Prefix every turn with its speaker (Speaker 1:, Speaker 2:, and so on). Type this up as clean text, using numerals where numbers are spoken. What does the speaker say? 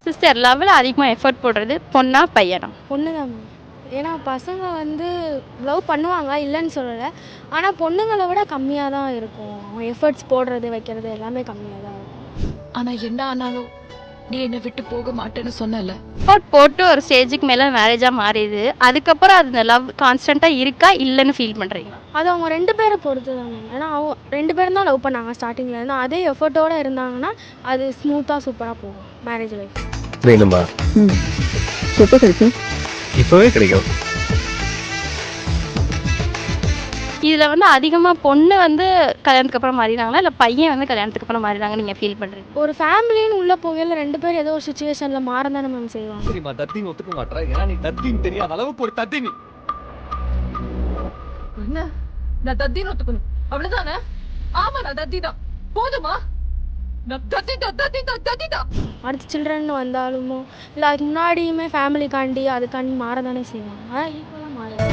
Speaker 1: Sister லவ்வில் அதிகமாக effort போடுறது பொண்ணா பையனா?
Speaker 2: பொண்ணு தான் மேம். ஏன்னா பசங்க வந்து லவ் பண்ணுவாங்க இல்லைன்னு சொல்லலை. ஆனால் பொண்ணுங்களை விட கம்மியாக தான் இருக்கும். அவங்க எஃபர்ட்ஸ் போடுறது வைக்கிறது எல்லாமே கம்மியாக தான் இருக்கும்.
Speaker 3: ஆனா என்ன ஆனாலும் நீ என்னை விட்டு போக மாட்டேன்னு சொன்னல.
Speaker 1: எஃபர்ட் போட்டு ஒரு ஸ்டேஜுக்கு மேலே மேரேஜாக மாறிடுது. அதுக்கப்புறம் அது லவ் கான்ஸ்டண்ட்டாக இருக்கா இல்லைன்னு ஃபீல் பண்ணுறீங்க?
Speaker 2: அது அவங்க 2 பேரை பொறுத்து தான் மேம். ஏன்னா அவங்க 2 பேரும் தான் லவ் பண்ணாங்க ஸ்டார்டிங்கில் இருந்து. அதே எஃபர்ட்டோடு இருந்தாங்கன்னா அது ஸ்மூத்தாக சூப்பராக போகும் மேரேஜ் லைஃப்.
Speaker 4: வேணுமா?
Speaker 5: எப்போ கிடைக்கும்?
Speaker 4: இப்பவே கிடைக்கும்.
Speaker 1: இதில் வந்து அதிகமாக பொண்ணு வந்து கல்யாணத்துக்கு அப்புறம் மாறினாங்களா இல்லை பையன் வந்து கல்யாணத்துக்கு அப்புறம் மாறினாங்க நீங்கள் ஃபீல் பண்ணுறீங்க?
Speaker 2: ஒரு ஃபேமிலின்னு உள்ளே போகையில் 2 பேர் ஏதோ ஒரு சுச்சுவேஷனில் மாற தானே மேம் செய்வாங்க.
Speaker 4: சரிம்மா, தத்தின்னு ஒத்துக்க மாட்டா. ஏன்னா நீ தத்தின்னு தெரியாத அளவுக்கு ஒரு தத்தி நீ.
Speaker 3: என்ன நான் தத்தின்னு ஒத்துக்கணும் அவ்வளவுதானே? ஆமா நான் தத்தி தான். போதுமா? நான் தத்தி தான்.
Speaker 2: அடுத்த சில்ட்ரன் வந்தாலுமோ இல்லை அதுக்கு முன்னாடியுமே ஃபேமிலிக்காண்டி அதுக்காண்டி மாற தானே செய்வாங்க. ஆனால் ஈக்குவலாக மாற